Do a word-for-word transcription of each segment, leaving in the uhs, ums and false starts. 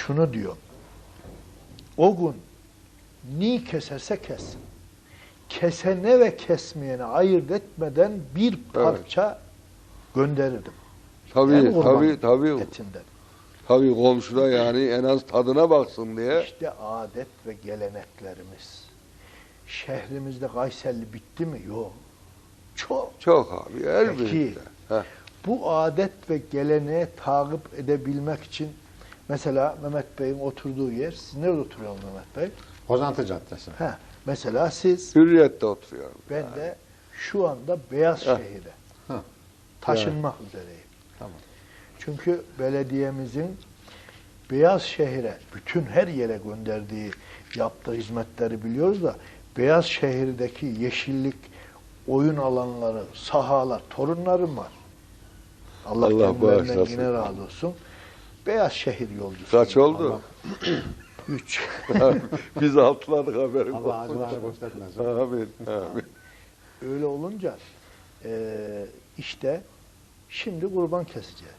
şunu diyor. O gün ni keserse kessin. Kesene ve kesmeyene ayırt etmeden bir parça evet. gönderirdim. Tabii, yani tabii, tabii. Etinden. Tabii komşuda yani en az tadına baksın diye. İşte adet ve geleneklerimiz. Şehrimizde Kayserili bitti mi? Yok. Çok. Çok abi, elbette. Peki, bu adet ve geleneği takip edebilmek için mesela Mehmet Bey'in oturduğu yer, siz nerede oturuyorsunuz Mehmet Bey? Kozantı Caddesi. He, mesela siz, Hürriyet'te oturuyorum. ben yani. de şu anda Beyazşehir'e taşınmak evet. üzereyim. Tamam. Çünkü belediyemizin Beyazşehir'e, bütün her yere gönderdiği, yaptığı hizmetleri biliyoruz da, Beyazşehir'deki yeşillik, oyun alanları, sahalar, torunlarım var. Allah, Allah kendilerinden yine razı olsun. Beyazşehir yolcusu. Kaç oldu? Üç. Biz altıladık haberim. Allah acılarını göstermez. Amin, amin. Öyle olunca e, işte şimdi kurban keseceğiz.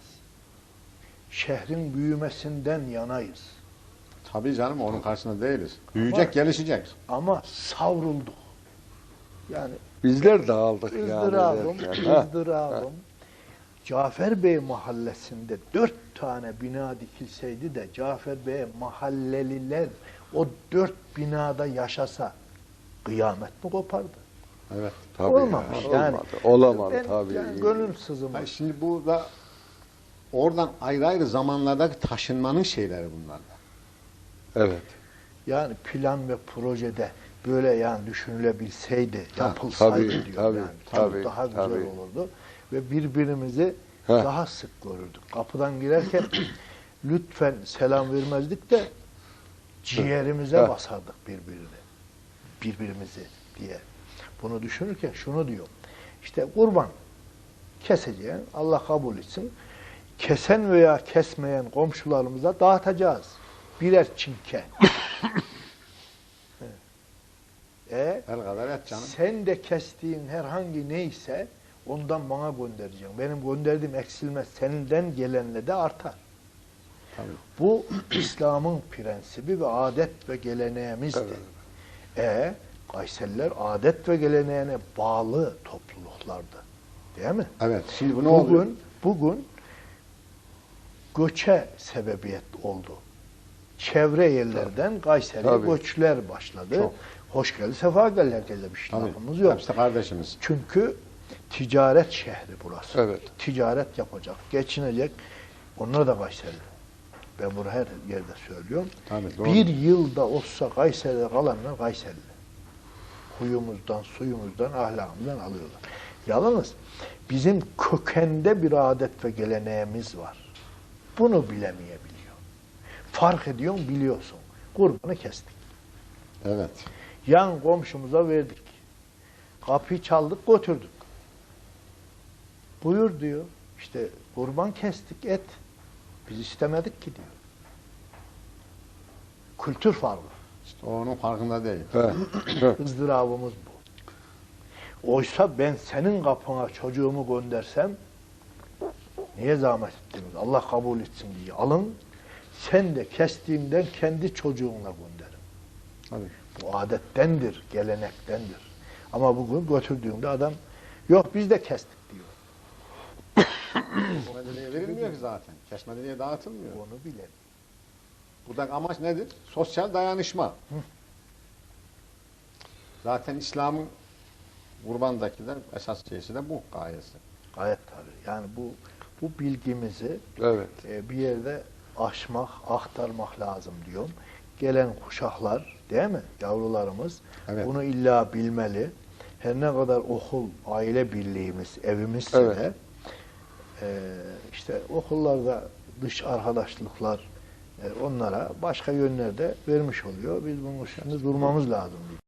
Şehrin büyümesinden yanayız. Tabii canım, onun karşısında değiliz. Büyüyecek, ama, gelişecek. Ama savrulduk. Yani bizler dağıldık ızdırabım, yani. ızdırabım. Cafer Bey mahallesinde dört tane bina dikilseydi de Cafer Bey mahalleliler o dört binada yaşasa kıyamet mi kopardı? Evet. Tabii olmamış. Yani, yani, olmadı. Olamadı ben, tabii. Yani gönül sızımı. Hayır, şimdi burada oradan ayrı ayrı zamanlardaki taşınmanın şeyleri bunlar da. Evet. Yani plan ve projede böyle yani düşünülebilseydi, ha, yapılsaydı tabii, diyor. Tabii, yani, tabii, daha güzel tabii. olurdu. Ve birbirimizi Heh. daha sık görürdük. Kapıdan girerken lütfen selam vermezdik de ciğerimize Heh. basardık birbirini. Birbirimizi diye. Bunu düşünürken şunu diyor. İşte kurban keseceğin, Allah kabul etsin. Kesen veya kesmeyen komşularımıza dağıtacağız. Birer çinke. e, El kadar et canım. Sen de kestiğin herhangi neyse ondan bana göndereceksin. Benim gönderdiğim eksilmez. Seninden gelenle de artar. Tabii. Bu İslam'ın prensibi ve adet ve geleneğimizdir. Evet. E Kayseriler adet ve geleneğine bağlı topluluklardı. Değil mi? Evet. Şimdi bu ne bugün, oluyor? Bugün göçe sebebiyet oldu. Çevre yerlerden Kayseri'ye göçler başladı. Çok. Hoş geldi, sefa geldi, herkese bir şey lafımız yok. Hepsi kardeşimiz. Çünkü ticaret şehri burası. Evet. Ticaret yapacak, geçinecek. Onlar da Kayseri'li. Ben bunu her yerde söylüyorum. Tabii, bir yılda olsa Kayseri'de kalanlar Kayseri'li. Huyumuzdan, suyumuzdan, ahlakımızdan alıyorlar. Yalnız bizim kökende bir adet ve geleneğimiz var. Bunu bilemeyebiliyor. Fark ediyorsun, biliyorsun. Kurbanı kestik. Evet. Yan komşumuza verdik. Kapıyı çaldık, götürdük. Buyur diyor. İşte kurban kestik, et. Biz istemedik ki diyor. Kültür farkı. İşte onun farkında değil. Izdırabımız bu. Oysa ben senin kapına çocuğumu göndersem niye zahmet ettiniz? Allah kabul etsin diye alın. Sen de kestiğinden kendi çocuğunla gönderin. Tabii. Bu adettendir, gelenektendir. Ama bugün götürdüğünde adam yok biz de kestik diyor. Kesmediliğe verilmiyor ki zaten. Kesmediliğe dağıtılmıyor. Onu bilen. Buradaki amaç nedir? Sosyal dayanışma. Hı. Zaten İslam'ın kurbandaki de esas şeysi de bu gayesi. Gayet tabii. Yani bu bu bilgimizi evet. e, bir yerde aşmak, aktarmak lazım diyorum. Gelen kuşaklar, değil mi? Yavrularımız evet. bunu illa bilmeli. Her ne kadar okul, aile birliğimiz, evimizse evet. de e, işte okullarda dış arkadaşlıklar e, onlara başka yönlerde vermiş oluyor. Biz bunun üstünde durmamız lazım.